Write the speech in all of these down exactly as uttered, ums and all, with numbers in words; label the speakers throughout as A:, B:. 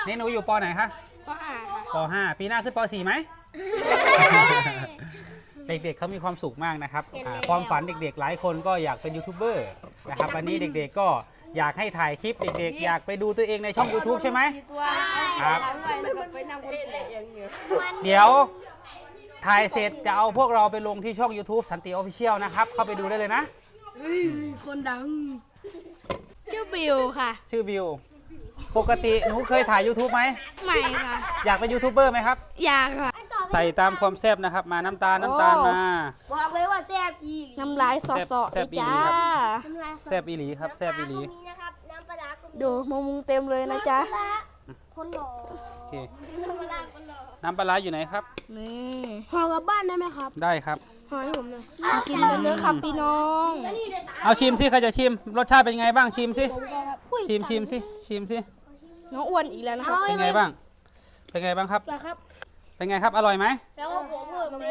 A: นี่หนูอยู่ป.ไหนคะ
B: ป.ห้าค่ะ
A: ป.ห้าปีหน้าขึ้นป.สี่ไหม เด็กๆเขามีความสุขมากนะครับความฝันเด็กๆหลายคนก็อยากเป็นยูทูบเบอร์นะครับวันนี้เด็กๆก็อยากให้ถ่ายคลิปเด็กๆอยากไปดูตัวเองในช่อง ยูทูบ ใช่ไหมครับเดี๋ยวถ่ายเสร็จจะเอาพวกเราไปลงที่ช่อง ยูทูบ สันติออฟฟิเชียลนะครับเข้าไปดูได้เลยนะ
B: คนดังชื่อบิวค่ะ
A: ชื่อบิวปกติหนูเคยถ่าย ยูทูบ ไหม
B: ไม่ค่ะ
A: อยากเป็นยูทูบเบอร์ไหมครับ
B: อยากค่ะ
A: ใส่ตามความแซ่บนะครับมาน้ำตาลน้ำตาลมา
B: บอกเลยว่าแซ่บอีน้ำลายสอดๆเลยจ้า
A: แซ่บอีหลีครับแซ่บอีหลี
B: ดูมะมุงเต็มเลยนะจ๊ะ
A: คนหล่อโอเคน้ำปลาอยู่ไหนครับ
B: นี่ห่อกลับบ้านได้ไหมครับ
A: ได้ครับ
B: ห่อให้ผมหน่อยกินเนื้อครับพี่น้อง
A: เอาชิมสิใครจะชิมรสชาติเป็นไงบ้างชิมสิชิมชิมสิชิมสิ
B: น้องอ้วนอีกแล้วนะครับ
A: เป็นไงบ้างเป็นไงบ้างครับเป็นไงครับอร่อยไหม
B: แล้วก็ผมเพิ่มมา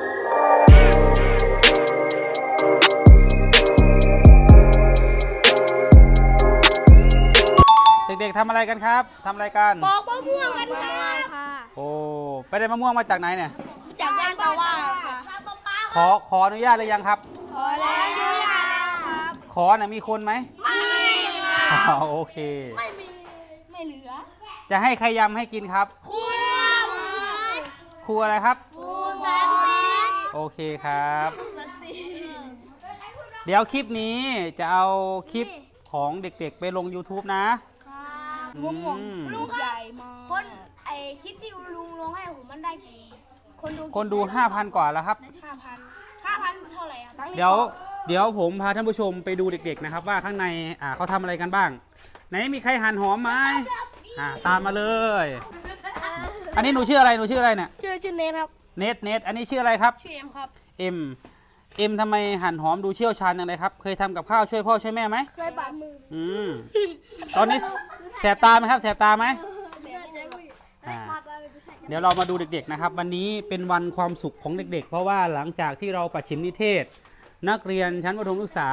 A: เด็กๆทำอะไรกันครับทำอะไรกัน
B: ปอกมะม่วงกันค่ะ
A: โอ้ไปได้มะม่วงมาจากไหนเนี่ย
B: จากบ้านตะว่าค่ะ
A: ขอขออนุญาตหรือยังครับ
B: ขอแล้วครับ
A: ขอน่ะมีคนไหม
B: ไม่ค่ะ
A: โอเค
B: ไม่มีไม่เหลือ
A: จะให้ใครยำให้กินครับ
B: ครู
A: ครูอะไรครับ
B: ครูสันติ
A: โอเคครับเดี๋ยวคลิปนี้จะเอาคลิปของเด็กๆไปลง ยูทูบ นะ
B: ลุงลุงใหญ่มากคนไอคลิปที่ลุงลงให้ผมมันได้กี่
A: คนดูคนดู ห้าพัน กว่าแล้วครับ
B: ห้าพัน ห้าพัน เท่าไหร่อ่ะ
A: เดี๋ยวเดี๋ยวผมพาท่านผู้ชมไปดูเด็กๆนะครับว่าข้างในอ่าเขาทำอะไรกันบ้างไหนมีใครหั่นหอมไหมอ่าตามมาเลยอันนี้หนูชื่ออะไรหนูชื่ออะไรเนี่ย
B: ชื่อชื่อเนทครับ
A: เนทเนทอันนี้ชื่ออะไรครับ
B: ชื่อเอ็มครับ
A: เอ็มเอ็มทำไมหั่นหอมดูเชี่ยวชาญอย่างไรครับเคยทำกับข้าวช่วยพ่อช่วยแม่ไหม
B: เคยบาดมือ
A: อืมตอนนี้แสบตาไหมครับแสบตาไหมเดี๋ยวเรามาดูเด็กๆนะครับวันนี้เป็นวันความสุขของเด็กๆเพราะว่าหลังจากที่เราประชิมนิเทศนักเรียนชั้นประถมศึกษา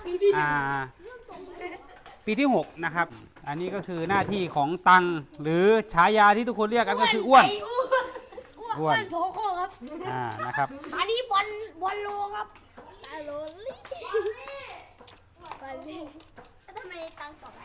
A: ปีที่หกนะครับอันนี้ก็คือหน้าที่ของตังหรือฉายาที่ทุกคนเรียกกันก็คืออ้วนอ้วน
B: โถโคครับ
A: อ่านะครับ
B: อันนี้บอลบอลโลครับบอลโลลี่บอลลี่ทำไมตังตอบ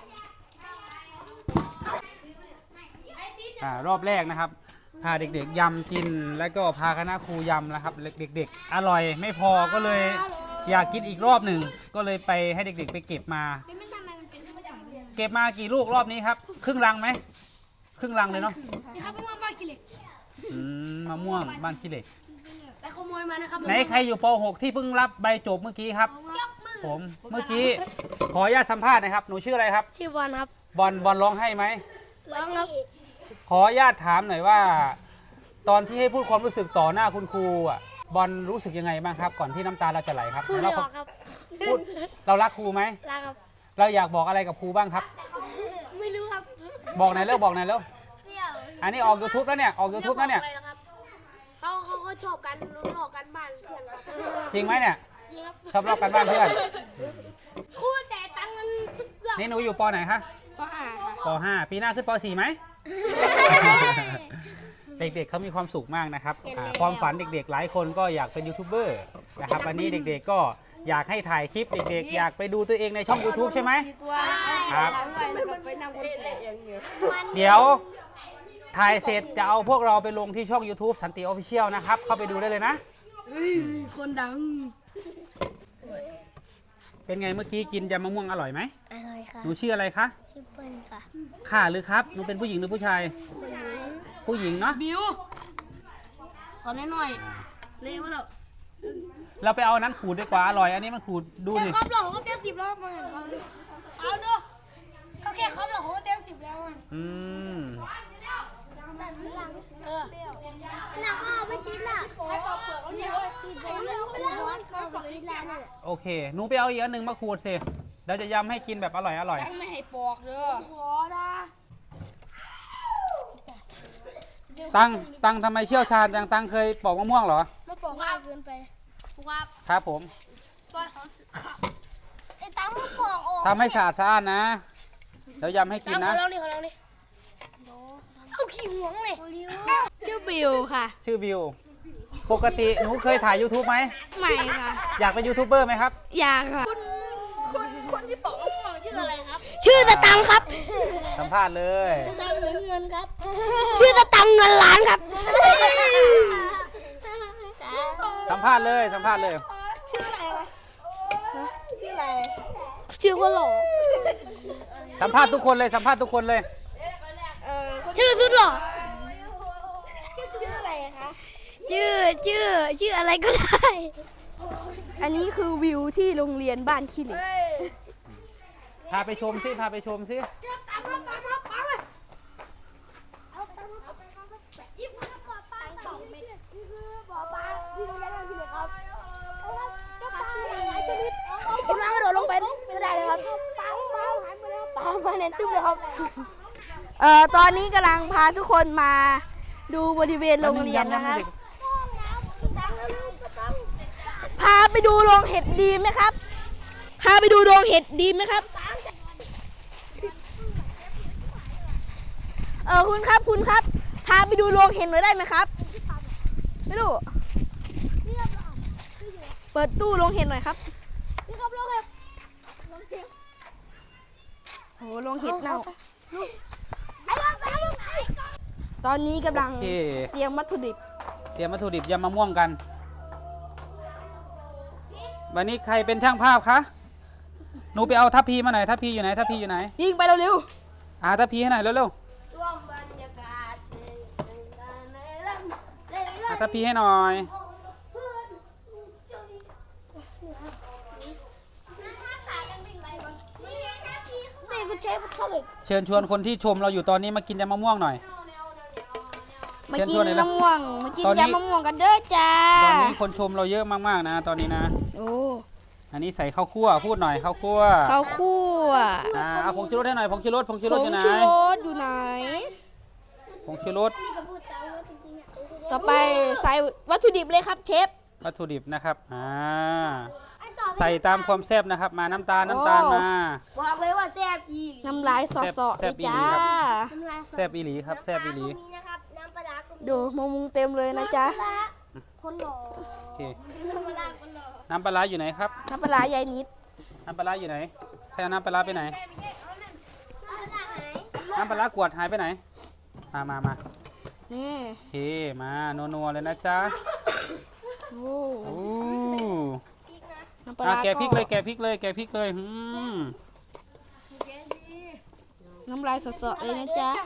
A: อ่ารอบแรกนะครับพาเด็กๆยำกินแล้วก็พาคณะครูยำนะครับเด็กๆอร่อยไม่พอก็เลยอยากกินอีกรอบหนึ่งก็เลยไปให้เด็กๆไปเก็บมาเก็บมากี่ลูกรอบนี้ครับครึ่งลังไหมครึ่งลังเลยเนาะ
B: นี่ครับมะม่วงบ้านขี้เหล็ก
A: อืมมะม่วงบ้านขี้เหล็ก
B: ไปขโมยมานะครับ
A: ไหนใครอยู่ป หกที่เพิ่งรับใบจบเมื่อกี้ครับผมเมื่อกี้ขออนุญาตสัมภาษณ์นะครับหนูชื่ออะไรครับ
B: ชื่อบอลครับ
A: บอลบอลร้องให้ไหม
B: ร้องครับ
A: ขออนุญาตถามหน่อยว่าตอนที่ให้พูดความรู้สึกต่อหน้าคุณครูอ่ะบอลรู้สึกยังไงบ้างครับก่อนที่น้ำตาเราจะไหลครับ
B: พูดไม่ออกครับ
A: พูดเรารักครูไหม
B: รักครับ
A: เราอยากบอกอะไรกับครูบ้างครับ
B: ไม่รู้ครับ
A: บอกไหนแล้วบอกไหนแล้วอันนี้ออก ยูทูบ แล้วเนี่ยออก ยูทูบ แล้วเนี่ย
B: เขาเขาเขาชอบกันหลอกกันบ้านเพื่อน
A: จริงไหมเนี่ยชอบหลอกกันบ้านเพื่อน
B: ครูแต่ตังเงิน
A: นี่หนูอยู่ป.ไหนคะ
B: ป.ห้า
A: ป.ห้าปีหน้าขึ้นป.สี่ไหมเด็กๆเขามีความสุขมากนะครับความฝันเด็กๆหลายคนก็อยากเป็นยูทูบเบอร์นะครับวันนี้เด็กๆก็อยากให้ถ่ายคลิปเด็กๆอยากไปดูตัวเองในช่อง ยูทูบ ใช่ไหมครับเดี๋ยวถ่ายเสร็จจะเอาพวกเราไปลงที่ช่อง ยูทูบ สันติออฟฟิเชียลนะครับเข้าไปดูได้เลยนะ
B: คนดัง
A: เป็นไงเมื่อกี้กินยำมะม่วงอร่อยไหม
B: อร่อยค่ะ
A: หนูชื่ออะไรคะ
B: ชื่อเปิ้ลค่ะ
A: ค่ะหรือครับหนูเป็นผู้หญิงหรือผู้ชายผู้หญิงเนาะ
B: บิวขอหน่อยเลี้ยงมาแล้ว
A: เราไปเอานั้นขูดดีกว่าอร่อยอันนี้มันขูดดูดิ
B: ครับหรอเขาเต็มสิบแล้วมาเอาดูก็แค่ครับหรอเขาเต็มสิบแล้ว
A: อืม
B: เออน่าข้าวไปกินล่ะให้ปอกเปลือกเขาเนี่ยกินไปเรื่องร้อนข้าวไปกินแล้วเนี่ย
A: โอเคหนูไปเอาอีกอันหนึ่งมาขูดสิเราจะยำให้กินแบบอร่อยอร่อย
B: ตั้งไม่ให้ปอกเด้อขอนะ
A: ตั้งตั้งทำไมเชี่ยวชาญจังตั้งเคยปอกมะม่วงเหรอ
B: ไม่ปอกง่ายเกินไป
A: ครับครับผม
B: ไอ้ตั้งไม่ปอก
A: ทำให้สะอาดสะอาดนะเดี๋ยวยำให้กินนะ
B: ขอลองดิขอลองดิขี้หวงเลยชื่อบิวค่ะ
A: ชื่อบิวปกติหนูเคยถ่าย YouTube ไหม
B: ไม่ค่ะ
A: อยากเป็นยูทูบเบอร์ไหมครับ
B: อยากค่ะคนคนที่บอกว่าห่วงชื่ออะไรครับ ชื่อตะตังครับ
A: สัมภาษณ์เลย
B: ตะตังหรือเงินครับ ชื่อตะตังเงินล้านครับ
A: สัมภาษณ์เลยสัมภาษณ์เลย
B: ชื่ออะไรวะชื่ออะไรชื่อว่าหล่อ
A: สัมภาษณ์ทุกคนเลยสัมภาษณ์ทุกคนเลย
B: ชื่อสุดหล่อชื่ออะไรคะชื่อชื่อชื่ออะไรก็ได้ อันนี้คือวิวที่โรงเรียนบ้านขี้เหล็ก
A: พาไปชมสิพาไปชมสิ
B: คุณน้ากระโดดลงไปไม่ได้เลยครับปลามาเน้นตึ้มเลยครับเอ่อตอนนี้กำลังพาทุกคนมาดูบริเวณโรงเรียนนะคะพาไปดูโรงเห็ดดีไหมครับพาไปดูโรงเห็ดดีไหมครับเออคุณครับคุณครับพาไปดูโรงเห็ดหน่อยได้ไหมครับไม่รู้เปิดตู้โรงเห็ดหน่อยครับนี่ครับโรงเห็ดโอ้โรงเห็ดเน่าตอนนี้กำลัง
A: โอเค
B: เตรียมวัตถุดิบ
A: เตรียมวัตถุดิบยำมะม่วงกัน วันนี้ใครเป็นช่างภาพคะหนูไปเอาทัพพีมาหน่อยทัพพีอยู่ไหนทัพพีอยู่ไหน
B: ยิงไปเร็ว
A: อ่าทัพพีให้หน่อยเร็ว
B: ๆร่วมบรรยากาศ
A: ๆอ่าทัพพีให้หน่อย
B: นี่คุณเชฟเท่าไหร่
A: เชิญชวนคนที่ชมเราอยู่ตอนนี้มากินยำมะม่วงหน่อย
B: มา
A: เชิญ
B: กิน
A: ชวนหน่อยนะ
B: มะม่วงมากิน
A: ตอนนี้
B: ยำมะม่วงกันเด้อจ้า
A: ตอนนี้คนชมเราเยอะมากๆนะตอนนี้นะ
B: โอ้
A: อันนี้ใส่ข้าวคั่วพูดหน่อยข้าวคั่ว
B: ข้าวคั่ว
A: อ่าเอาผงชูรสให้หน่อยผงชูรสผงชูรส
B: ผ
A: อง ยู่ไหน
B: ชูรสอยู่ไหน
A: ผงชูรส
B: ต่อไปใส่วัตถุดิบเลยครับเชฟ
A: วัตถุดิบนะครับอ่าใส่ตามความแซ่บนะครับ มาน้ำตาลน้ำตาลมา
B: บอกเลยว่าแซ่บอีน้ำลายสอดๆ
A: แซ่
B: เล
A: บ
B: ย
A: อี
B: จ้า
A: หลีครับ แซ่บอีหลีครับแซ่บอีหลี
B: ดูมะมุงเต็มเลยนะจ๊ะ
C: คนหล่อ
A: โอเค
C: ธรรมดาคนหล่อ
A: น้ำปลาร้าอยู่ไหนครับ
B: น้ำปลาร้ายายนิด
A: น้ำปลาร้าอยู่ไหนใครเอาน้ำปลาร้าไปไหน
C: เอาละหาย
A: น้ำปลาร้ากวดหายไปไหนมามามา
B: นี่
A: โอเคมานัวๆเลยนะจ๊ะ
B: โอ้
A: โอ้
B: น้ำปลา
A: อ่ะ
B: ร้า
A: แกะพริกเลยแกะพริกเลยแกะพริกเลยอืม
B: น้ำลายสดๆเลยนะจ๊ะ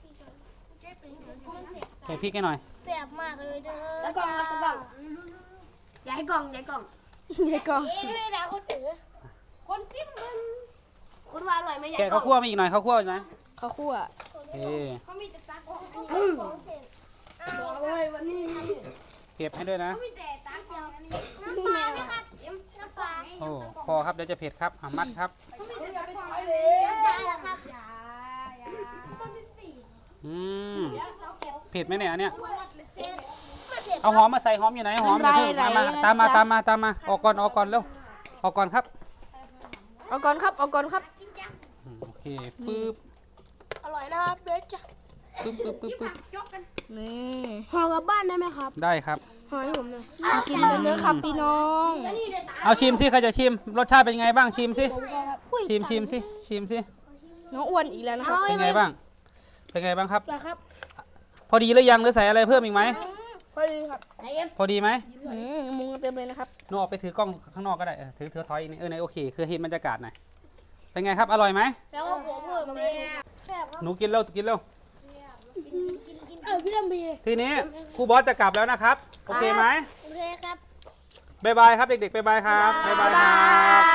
A: แกะพริกให้หน่อย
C: แซ่บมากเลยเด้อ
B: ตะกล่องครับตะกล่อง
C: ย้ายกล่องย้ายกล่อง
B: ยายกล่อง
C: ไม่ได้ด่าคนอื่นคนซิมมันคุณว่าอร่อยไหมย้าย
A: แกะ
C: กล่
A: ข้า
C: อ
A: ว
C: ง
A: คั่วมาอีกหน่อยข้าวคั่วอยู่ไหม
B: ข้าวคั่ว
A: โอเค
C: เขามีแต่ตักของเสร็จบอกเลยวันนี้
A: เก็บให้ด้วยนะ
C: มีแต่ตักเดียวน้ำปลาไหมครับน้ำปลา
A: โอ้พอครับเดี๋ยวจะเผ็ดครับอ่ะมัดครับ
C: น้ำปลาเหรอครับ
A: อืมเผ็ดไหมเนี่ยอันเนี้ย
C: เสร็จไม่เสร็จ
A: เอาหอมมาใส่หอมอยู่ไหนหอมอย่าเพิ่งมามาตามมาตามมาตามมาออกก่อนออกก่อนเร็วออกก่อนครับ
B: เอาก่อนครับเอาก่อนครับ
A: อืมโอเคปึ๊บ
C: อร่อยนะครับเด้อจ้ะ
A: ปึ๊บปึ๊บปึ๊บปึ๊บ
B: นี่
C: ห่อกลับบ้านได้ไหมครับ
A: ได้ครับ
C: ห่อให้ผมหน่อย
B: มากินกันเนื้อะครับพี่น้อง
A: เอาชิมสิใครจะชิมรสชาติเป็นไงบ้างชิมสิชิมชิมสิชิมสิ
B: น้องอ้วนอีกแล้วนะครับ
A: เป็นไงบ้างเป็นไงบ้างครับ
C: นะครับ
A: พอดีหรือยังหรือใส่อะไรเพิ่มอีกไหม
C: พอดีครับไหนเอ็ม
A: พอดีไหม
B: อืมมุงเต็มเลยนะครับ
A: หนูออกไปถือกล้องข้างนอกก็ได้เออถือถือถอยอีกนิดเออในโอเคคือเห็นบรรยากาศหน่อยเป็นไงครับอร่อยไหม
C: แล้วก็หัวเพิ่มเลยแซ่บครับ
A: หนูกินเร็วกินเร็ว
C: เออพี่ลำพี
A: ทีนี้ครูบอสจะกลับแล้วนะครับโอเคไหม
C: โอเคครับ
A: บ๊ายบายครับเด็กๆบ๊ายบายครับบ๊ายบายครับ